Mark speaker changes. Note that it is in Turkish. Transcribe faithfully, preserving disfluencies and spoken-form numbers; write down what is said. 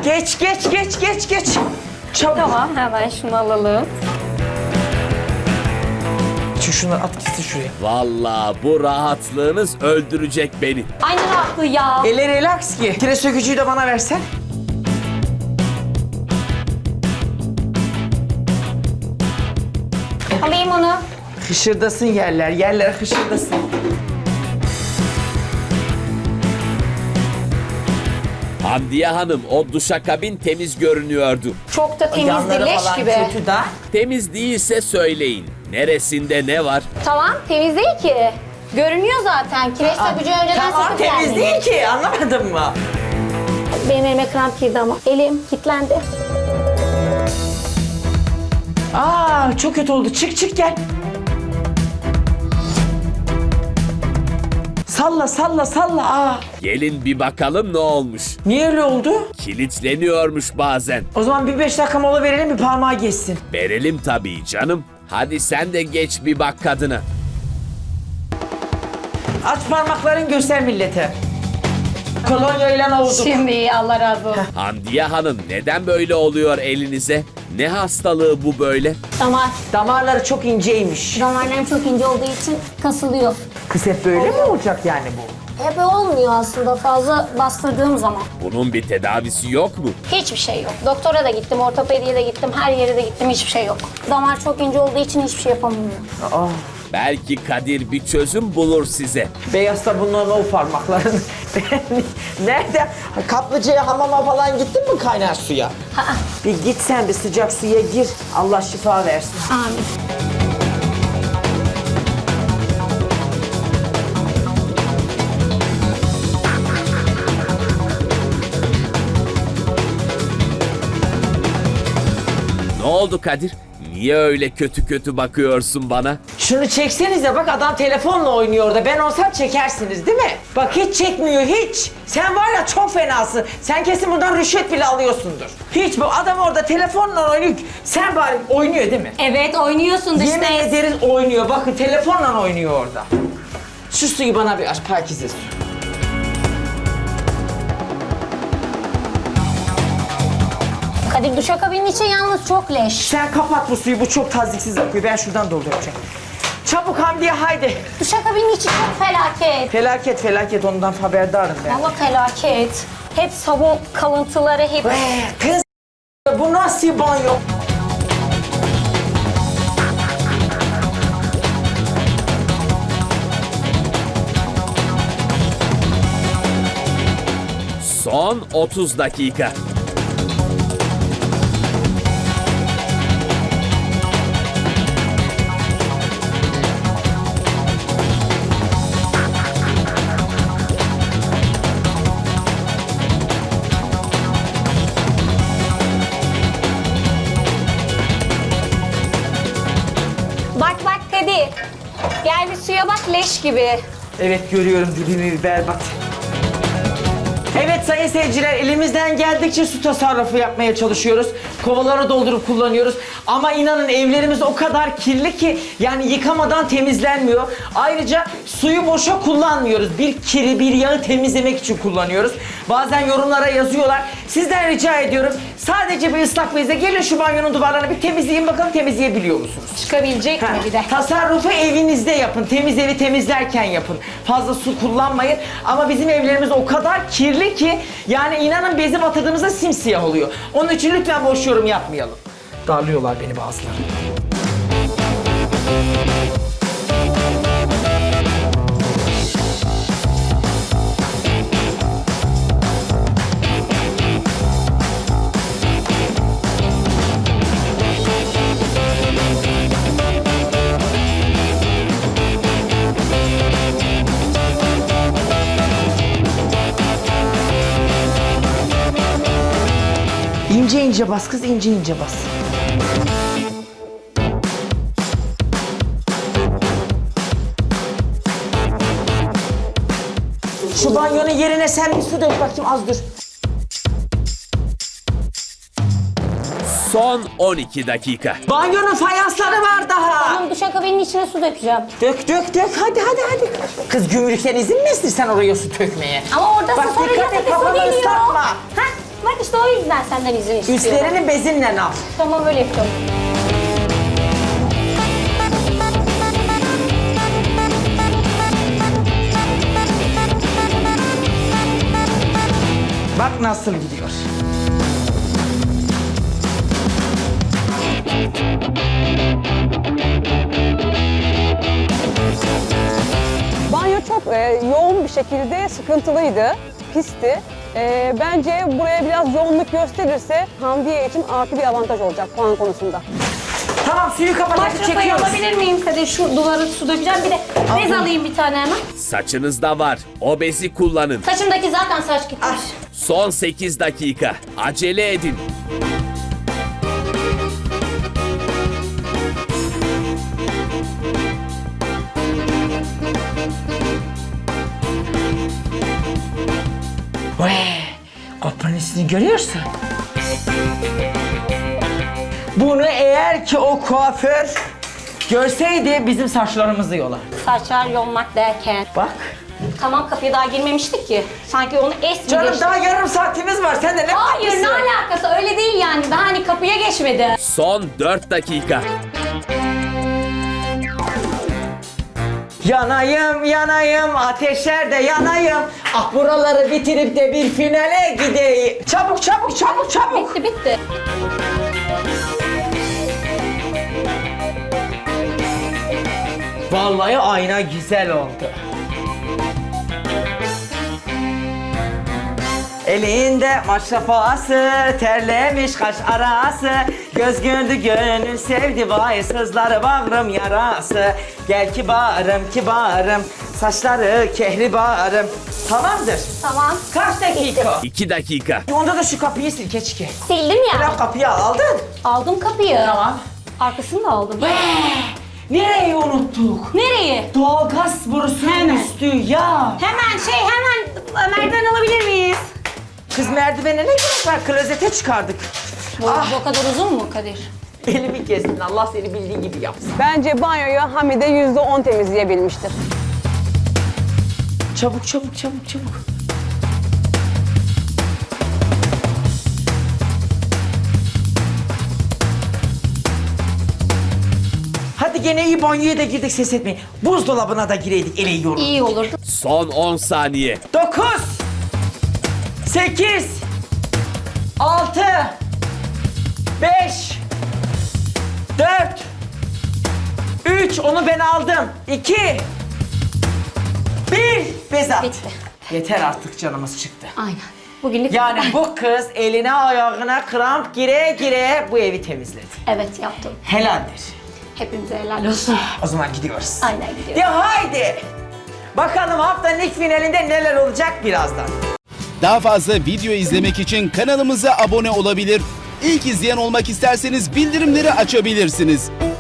Speaker 1: Geç geç geç geç geç. Çabuk.
Speaker 2: Tamam, hemen şunu alalım.
Speaker 1: Şu şunları at gitsin şuraya.
Speaker 3: Vallahi bu rahatlığınız öldürecek beni.
Speaker 2: Aynı rahatlığı ya.
Speaker 1: Eli relax ki. Kire sökücüyü de bana versen.
Speaker 2: Alayım onu.
Speaker 1: Hışırdasın yerler, yerler hışırdasın.
Speaker 3: Hamdiye Hanım, o duşakabin temiz görünüyordu.
Speaker 2: Çok da temizdi,
Speaker 1: Yanları
Speaker 2: leş
Speaker 1: falan
Speaker 2: gibi.
Speaker 1: kötü da.
Speaker 3: Temiz değilse söyleyin. Neresinde ne var?
Speaker 2: Tamam, temiz değil ki. Görünüyor zaten. Kireç sökücü önceden
Speaker 1: Tamam
Speaker 2: söküp
Speaker 1: temiz
Speaker 2: geldi.
Speaker 1: değil ki, anlamadın mı?
Speaker 2: Benim elime kramp girdi ama. Elim kilitlendi.
Speaker 1: Aa çok kötü oldu. Çık çık gel. Salla salla salla. Aa.
Speaker 3: Gelin bir bakalım ne olmuş.
Speaker 1: Niye öyle oldu?
Speaker 3: Kilitleniyormuş bazen.
Speaker 1: O zaman bir beş dakika mola verelim, bir parmağı geçsin.
Speaker 3: Verelim tabii canım. Hadi sen de geç bir bak kadına.
Speaker 1: Aç parmakların, göster millete. Kolonya ile olduk.
Speaker 2: Şimdi iyi, Allah razı olsun.
Speaker 3: Hamdiye Hanım, neden böyle oluyor elinize? Ne hastalığı bu böyle?
Speaker 2: Damar.
Speaker 1: Damarları çok inceymiş.
Speaker 2: Damarlarım çok ince olduğu için kasılıyor.
Speaker 1: Kız hep böyle mi olacak yani bu?
Speaker 2: Hep olmuyor aslında fazla bastırdığım zaman.
Speaker 3: Bunun bir tedavisi yok mu?
Speaker 2: Hiçbir şey yok. Doktora da gittim, ortopediye de gittim, her yere de gittim, hiçbir şey yok. Damar çok ince olduğu için hiçbir şey yapamıyorum.
Speaker 1: Aa.
Speaker 3: Belki Kadir bir çözüm bulur size.
Speaker 1: Beyaz da bunların o parmakların. Nerede? Kaplıcaya, hamama falan gittin mi kaynar suya? Bir git sen bir sıcak suya gir. Allah şifa versin.
Speaker 2: Amin.
Speaker 3: Ne oldu Kadir? Niye öyle kötü kötü bakıyorsun bana?
Speaker 1: Şunu çeksenize, bak adam telefonla oynuyor orada. Ben olsam çekersiniz değil mi? Bak hiç çekmiyor hiç. Sen var ya çok fenasın. Sen kesin buradan rüşvet bile alıyorsundur. Hiç, bu adam orada telefonla oynuyor. Sen bari oynuyor değil mi?
Speaker 2: Evet, oynuyorsun dış
Speaker 1: Yemin
Speaker 2: ses.
Speaker 1: ederiz oynuyor. Bakın telefonla oynuyor orada. Şu suyu bana bir aç, Pakize su.
Speaker 2: Kadir, duşakabinin içi yalnız çok leş.
Speaker 1: Sen kapat bu suyu, bu çok taziksiz akıyor. Ben şuradan dolduracağım. Çabuk Hamdiye haydi.
Speaker 2: Duşakabinin içi çok felaket.
Speaker 1: Felaket felaket, ondan haberdarım ben.
Speaker 2: Valla felaket. Hep sabun kalıntıları, hep...
Speaker 1: Ee, kız bu nasıl banyo?
Speaker 3: Son otuz dakika.
Speaker 2: Bak bak Kadir. Gel bir suya bak, leş gibi.
Speaker 1: Evet görüyorum, dibimi berbat. Evet sayın seyirciler, elimizden geldikçe su tasarrufu yapmaya çalışıyoruz. Kovaları doldurup kullanıyoruz. Ama inanın evlerimiz o kadar kirli ki yani yıkamadan temizlenmiyor. Ayrıca suyu boşa kullanmıyoruz. Bir kiri, bir yağı temizlemek için kullanıyoruz. Bazen yorumlara yazıyorlar. Sizden rica ediyorum, sadece bir ıslak bezle gelin şu banyonun duvarlarını bir temizleyin bakalım, temizleyebiliyor musunuz?
Speaker 2: Çıkabilecek mi bir de?
Speaker 1: Tasarrufu evinizde yapın. Temiz evi temizlerken yapın. Fazla su kullanmayın. Ama bizim evlerimiz o kadar kirli ki yani inanın bezi batırdığımızda simsiyah oluyor. Onun için lütfen boş yorum yapmayalım. Darlıyorlar beni bazıları. İnce ince bas kız, ince ince bas. Şu banyonun yerine sen bir su dök bakayım, az dur.
Speaker 3: Son on iki dakika.
Speaker 1: Banyonun fayansları var daha.
Speaker 2: Tamam, duşakabinin içine su dökeceğim.
Speaker 1: Dök dök dök, hadi hadi hadi. Kız gümrükten izin mi istersen oraya su dökmeye?
Speaker 2: Ama orada
Speaker 1: Bak
Speaker 2: su sonra
Speaker 1: dikkat et,
Speaker 2: yataki su
Speaker 1: kafanı
Speaker 2: geliyor.
Speaker 1: ıslatma.
Speaker 2: Hah, bak işte o yüzden senden izin istiyorum.
Speaker 1: Üstlerini bezinle al.
Speaker 2: Tamam öyle yapıyorum.
Speaker 1: Bak nasıl gidiyor.
Speaker 4: Banyo çok e, yoğun bir şekilde sıkıntılıydı, pisti. E, bence buraya biraz yoğunluk gösterirse Hamdiye için artı bir avantaj olacak puan konusunda.
Speaker 1: Tamam, suyu kapatıp
Speaker 2: Maşrafayı
Speaker 1: çekiyoruz.
Speaker 2: alabilir miyim Kadir? Şu duvara su dökeceğim. Bir de bez alayım bir tane hemen.
Speaker 3: Saçınızda var. O bezi kullanın.
Speaker 2: Saçımdaki zaten saç gitmiş.
Speaker 1: Ah.
Speaker 3: Son sekiz dakika. Acele edin.
Speaker 1: Vay, kopanesini görüyorsun. Bunu eğer ki o kuaför görseydi bizim saçlarımızı yolar.
Speaker 2: Saçlar yolmak derken.
Speaker 1: Bak.
Speaker 2: Tamam kapıya daha girmemiştik ki. Sanki onu es mi
Speaker 1: Canım
Speaker 2: geçti?
Speaker 1: daha yarım saatimiz var. Sen de ne
Speaker 2: Hayır
Speaker 1: yapmışsın?
Speaker 2: ne alakası öyle değil yani. Daha hani kapıya geçmedi.
Speaker 3: Son dört dakika.
Speaker 1: Yanayım yanayım ateşlerde yanayım. Ah buraları bitirip de bir finale gideyim. Çabuk çabuk çabuk çabuk.
Speaker 2: Bitti bitti.
Speaker 1: Vallahi ayna güzel oldu. Elinde maşrafası, terlemiş kaş arası. Göz gördü gönül sevdi, vay sızları bağrım yarası. Gel kibarım kibarım, saçları kehribarım. Tamamdır.
Speaker 2: Tamam.
Speaker 1: Kaç dakika?
Speaker 3: iki dakika.
Speaker 1: Onda da şu kapıyı sil keçki.
Speaker 2: Sildim ya.
Speaker 1: Bırak kapıyı aldın.
Speaker 2: Aldım kapıyı.
Speaker 1: Tamam.
Speaker 2: Arkasını da aldım.
Speaker 1: Nereyi unuttuk?
Speaker 2: Nereyi?
Speaker 1: Doğalgaz borusunun
Speaker 2: Hemen.
Speaker 1: üstü ya.
Speaker 2: Hemen şey hemen merdiven alabilir miyiz?
Speaker 1: Kız merdivene ne gerek var? Klozete çıkardık.
Speaker 2: Bu,
Speaker 1: Ah,
Speaker 2: bu kadar uzun mu Kadir?
Speaker 1: elimi kestin. Allah seni bildiği gibi yapsın.
Speaker 4: Bence banyoyu Hamide yüzde on temizleyebilmiştir.
Speaker 1: Çabuk çabuk çabuk çabuk. Hadi gene iyi banyoya da girdik, ses etmeyin. Buzdolabına da gireydik, ele yiyorum.
Speaker 2: İyi olurdu.
Speaker 3: Son on saniye.
Speaker 1: Dokuz. Sekiz. Altı. Beş. Dört. Üç. Onu ben aldım. İki. Bir. Bezat.
Speaker 2: Bitti.
Speaker 1: Yeter artık, canımız çıktı.
Speaker 2: Aynen. Bugünlük
Speaker 1: Yani bu kız eline ayağına kramp gire gire bu evi temizledi.
Speaker 2: Evet yaptım.
Speaker 1: Helaldir.
Speaker 2: Hepimize helal olsun.
Speaker 1: O zaman gidiyoruz.
Speaker 2: Aynen gidiyorum.
Speaker 1: Ya haydi. Bakalım haftanın ilk finalinde neler olacak birazdan.
Speaker 5: Daha fazla video izlemek için kanalımıza abone olabilir. İlk izleyen olmak isterseniz bildirimleri açabilirsiniz.